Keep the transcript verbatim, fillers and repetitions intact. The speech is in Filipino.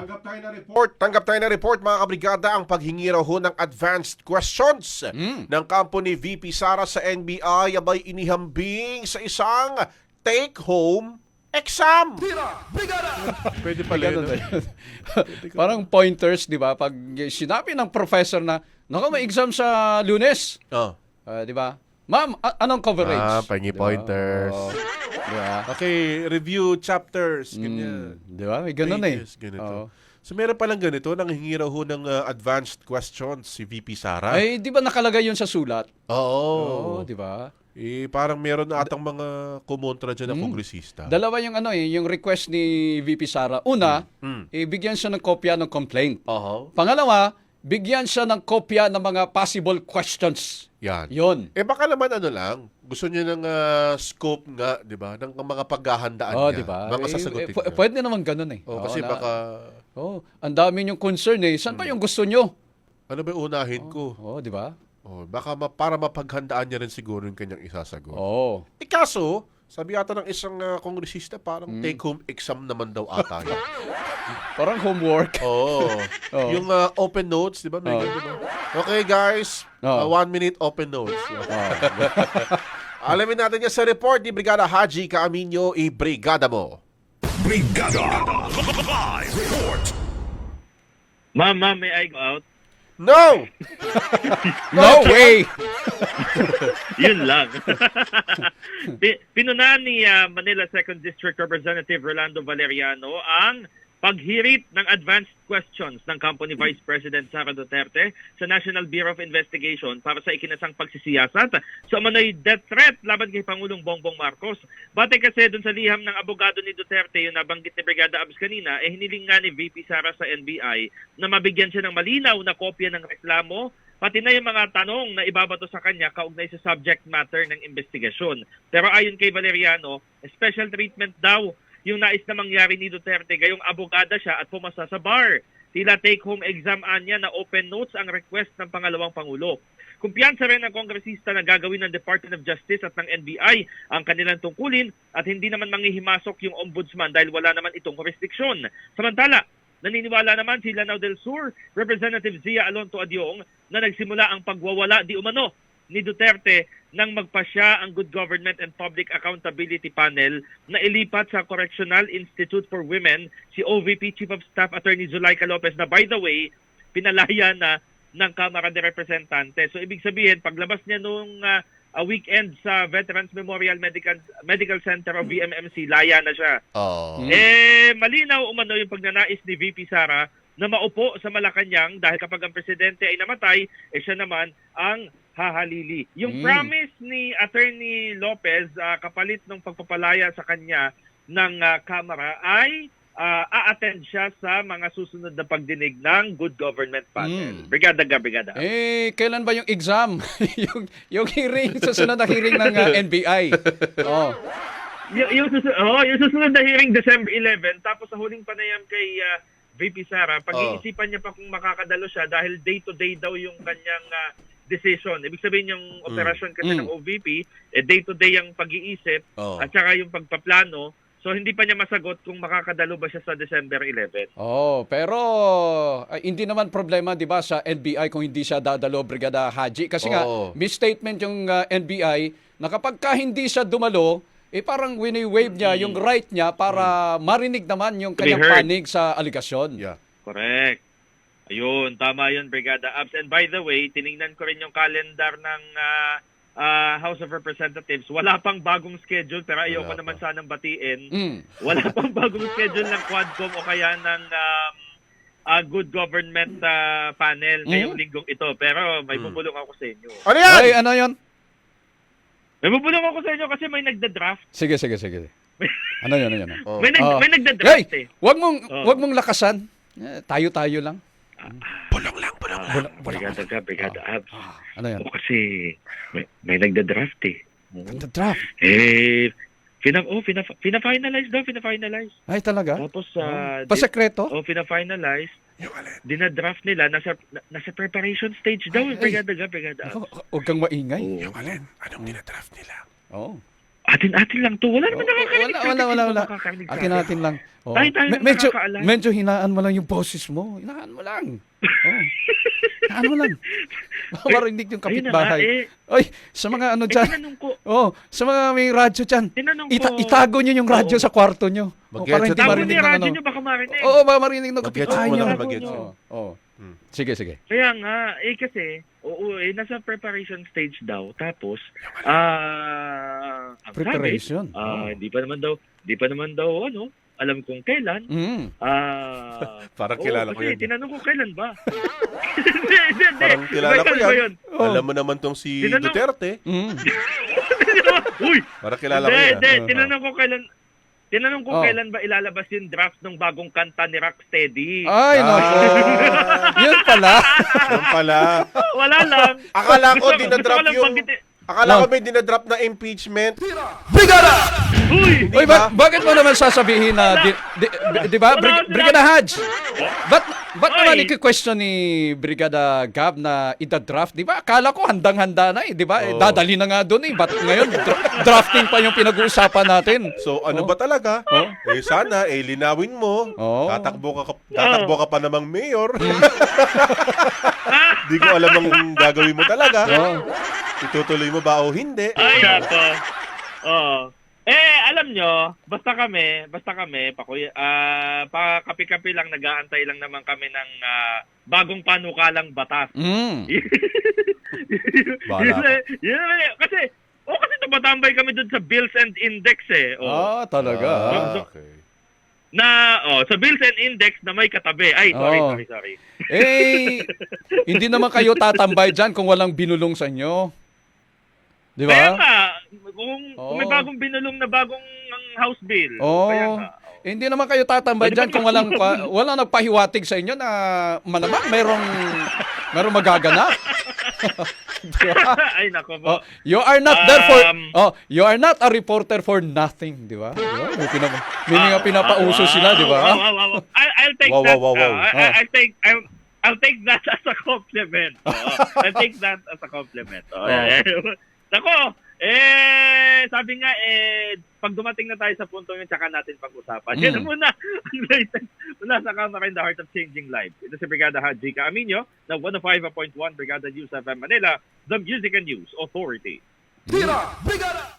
Tanggap tayo na report. Tanggap tayo na report mga kabrigada ang paghingi raw ho ng advanced questions Mm. ng kampo ni V P Sara sa N B I abay inihambing sa isang take-home exam. Pwede pala yun. Parang pointers, di ba? Pag sinabi ng professor na, naku, may exam sa Lunes. Oh. Ah, di ba? Ma'am, a- anong coverage? Ah, pangi Di ba? pointers. Oo. Di ba? Okay, review chapters. Ganyan. Mm, di ba? May ganun Pages, eh. ganito. Oo. So meron palang ganito, nanghingi raw ho ng uh, advanced questions si V P Sara. Ay, di ba nakalagay yun sa sulat? Oo. Oo, di ba? Eh, parang meron na atang mga kumontra dyan na Hmm. kongresista. Dalawa yung ano eh, yung request ni V P Sara. Una, Mm. ibigyan siya ng kopya ng complaint. Oo. Pangalawa, bigyan siya ng kopya ng mga possible questions. Yan. Yon. Eh baka naman ano lang, gusto niya ng ah, scope nga, 'di ba? Ng mga paghahandaan Oh, niya, di ba? mga Eh, sasagutin eh, p- niya. pwede naman ganun eh. Oh, Oo, kasi na- baka Oh, ang dami yung concern eh. Saan ba yung gusto nyo? ano ba yung unahin ko? Oh, di ba? Oh, baka ma- para mapaghandaan niya rin siguro yung kanyang isasagot. Oh. Eh kaso, sabi ata ng isang ah, kongresista, parang Hmm. take-home exam naman daw ata yun. Parang homework. Oo. Oo. Yung ah, open notes, di ba? May Oo. ganun, di ba? Okay guys, ah, Oo. one minute open notes. Oh. Alamin natin yan sa report ni Brigada Haji Caaminyo, i-brigada mo. Brigada Live Report. Ma'am, ma'am, may I go out? No! No way! Yun lang. Pi- Pinunahan ni ah, Manila second District Representative Rolando Valeriano ang paghirit ng advanced questions ng kampo ni Vice President Sara Duterte sa National Bureau of Investigation para sa ikinasang pagsisiyasat sa umano'y death threat laban kay Pangulong Bongbong Marcos. Batay kasi dun sa liham ng abogado ni Duterte, yung nabanggit ni Brigada Abs kanina, eh hiniling nga ni V P Sara sa N B I na mabigyan siya ng malinaw na kopya ng reklamo pati na yung mga tanong na ibabato sa kanya kaugnay sa subject matter ng investigasyon. Pero ayon kay Valeriano, special treatment daw yung nais na mangyari ni Duterte gayong abogada siya at pumasa sa bar. Tila take-home exam anya na open notes ang request ng pangalawang Pangulo. Kumpiyansa rin ng kongresista na gagawin ng Department of Justice at ng N B I ang kanilang tungkulin at hindi naman manghihimasok yung ombudsman dahil wala naman itong jurisdiksyon. Samantala, naniniwala naman si Lanao del Sur, Representative Zia Alonto Adyong na nagsimula ang pagwawala di umano ni Duterte nang magpasya ang Good Government and Public Accountability Panel na ilipat sa Correctional Institute for Women si O V P Chief of Staff Attorney Zulaika Lopez na by the way, pinalaya na ng Kamara de Representante. So ibig sabihin, paglabas niya nung uh, a weekend sa Veterans Memorial Medical Medical Center o V M M C, laya na siya. Oh. Eh, malinaw umano yung pagnanais ni V P Sara na maupo sa Malacanang dahil kapag ang presidente ay namatay, eh siya naman ang hahalili. Yung Mm. promise ni Attorney Lopez uh, kapalit ng pagpapalaya sa kanya ng uh, Kamara ay uh, a-attend siya sa mga susunod na pagdinig ng Good Government Panel. Mm. Brigada ga, brigada. Eh, kailan ba yung exam? yung, yung hearing, sa sunod na hearing ng uh, N B I. Oh. Y- yung, susunod, oh, yung susunod na hearing December eleventh, tapos sa huling panayam kay uh, V P Sara, pag-iisipan niya pa kung makakadalo siya dahil day-to-day daw yung kanyang uh, decision. Ibig sabihin yung operasyon kasi Mm. ng O V P, eh, day-to-day ang pag-iisip Oh. at saka yung pagpaplano. So hindi pa niya masagot kung makakadalo ba siya sa December eleventh. Oh, pero ay, hindi naman problema 'di ba sa N B I kung hindi siya dadalo, Brigada Haji kasi nga Oo. misstatement yung uh, N B I na kapag ka hindi siya dumalo, eh parang wini-waive niya yung right niya para marinig naman yung To be kanyang heard. panig sa aligasyon. Yeah. Correct. Ayun, tama yun, Brigada Abs. And by the way, tiningnan ko rin yung calendar ng ah, ah, House of Representatives. Wala pang bagong schedule, pero ayoko Wala naman pa. sanang batiin. Mm. Wala pang bagong schedule ng Quadcom o kaya ng um, ah, Good Government ah, Panel ngayong linggong ito. Pero may Mm. bubulong ako sa inyo. Ano yan? Ay, ano 'yon? May bubulong ako sa inyo kasi may nagda-draft. Sige, sige, sige. Ano 'yon, ano 'yon? Oh. May, nag, Oh. may nagda-draft Hey, eh. wag mong Oh. wag mong lakasan. Eh, tayo-tayo lang. Bulong lang, bulong lang. Wala- wala- Brigada ka, Brigada Abs. Ah, ano 'yan? O kasi may, may nagda-draft eh. The draft. Eh, Fina, oh, fina, fina-finalize daw, fina-finalize. Ay, talaga? Tapos, uh, Pasekreto? oh, fina-finalize. Yung alin? Dina-draft nila, nasa, na- nasa preparation stage daw. Ay, ay. Brigada ga, brigada. Ako, huwag kang maingay. Oh. Yung alin? Anong dinadraft nila? Oh. Atin-atin lang to. Wala naman Oh, nakakarinig. wala, wala, wala, wala. Nakakarinig sa Akin atin. natin lang. Oh. Tayo-tayo Me- lang medyo, nakakaalam. medyo hinaan mo lang yung boses mo. Hinaan mo lang. Oh. Hinaan mo lang. Marinig yung Ayun na nga, kapitbahay. eh. Oy, sa mga ano Eh, dyan. tinanong ko, Oh, sa mga may radyo dyan. tinanong ko. Ita- itago nyo yung radyo Oo. sa kwarto nyo. Oh, para Mag-headset hindi mo. Tago marinig niya, ng radyo ano. niyo, baka marinig. Oo, baka marinig ng Mag-headset kapitbahay mo nyo. lang, Tago mag-headset. niyo. Oo. Oh. Sige, sige. Kaya nga, eh kasi, oo, eh, nasa preparation stage daw. Tapos, ah, ang Preparation? sabi, ah, Oh. hindi pa naman daw, hindi pa naman daw, ano, alam kung kailan. Mm. Ah, Parang oo, kilala ko kasi yun. tinanong ko kailan ba? Hindi, hindi, hindi. Parang kilala Iba ko iba yan. Oh. Alam mo naman tong si Tinanong- Duterte. Mm. Uy! Parang kilala ko Hindi, yan. hindi. Oo. Tinanong ko kailan, tinanong ko Oh. kailan ba ilalabas yung draft ng bagong kanta ni Rocksteady. Ay, nako. Yun pala. Yan pala. Wala lang. Akala ko Gusto- dinadrop gusto ko lang yung... banggitin- Akala ko No. may dinadrop na impeachment. Uy! Uy, ba- bakit mo naman sasabihin na, di, di, di- di ba, Wala Brig- akong Brigada Haj? Ba't, ba't Oy. naman i-question ni Brigada Gab na ida-draft? Di ba? Akala ko handang-handa na eh, di ba? Eh, Oo. dadali na nga doon eh. Ba't ngayon, dra- drafting pa yung pinag-uusapan natin? So ano Oh. ba talaga? Oh. Eh sana, eh linawin mo. Oh. Tatakbo ka, ka- tatakbo ka pa namang mayor. Hmm. Di ko alam ang gagawin mo talaga. Oh. Itutuloy mo ba o hindi? Ay, nako. Oo. Eh, alam nyo, basta kami, basta kami, pakuy, ah, pa kapi-kapi lang, nag-aantay lang naman kami ng ah, bagong panukalang batas. Mm. Bahala yun, ka. eh, yun, eh, kasi, oh, kasi tumatambay kami dun sa Bills and Index eh. Oh. Ah, talaga. Ah, okay. Na, oh, sa Bills and Index na may katabi. Ay, sorry, Oh. sorry, sorry. Eh, hindi naman kayo tatambay dyan kung walang binulong sa inyo. Di Kaya ba? nga, kung, kung may Oo. bagong binulong na bagong ang House Bill. Oo. Kaya nga. Eh, hindi naman kayo tatambay Pwede dyan ba- kung walang, pa, walang nagpahiwatig sa inyo na malamang merong, merong magaganap. Di ba? Ay, nako po. Oh, you are not there for Um, oh, you are not a reporter for nothing, di ba? Di ba? May, pinapa, may mga pinapauso sila, di ba? Wow, wow, wow, wow. I, I'll take Wow, that. wow, wow, wow. uh, I, Oh. I'll take I'll, I'll take that as a compliment. Oo. I'll take that as a compliment. Oh, yeah. Nako, eh, sabi nga, eh, pag dumating na tayo sa punto yun, tsaka natin pag-usapan. Mm. Yan na muna ang latest mula sa Camera in the Heart of Changing Lives. Ito si Brigada Haji Caaminio ng one oh five point one Brigada News F M Manila, the Music and News Authority.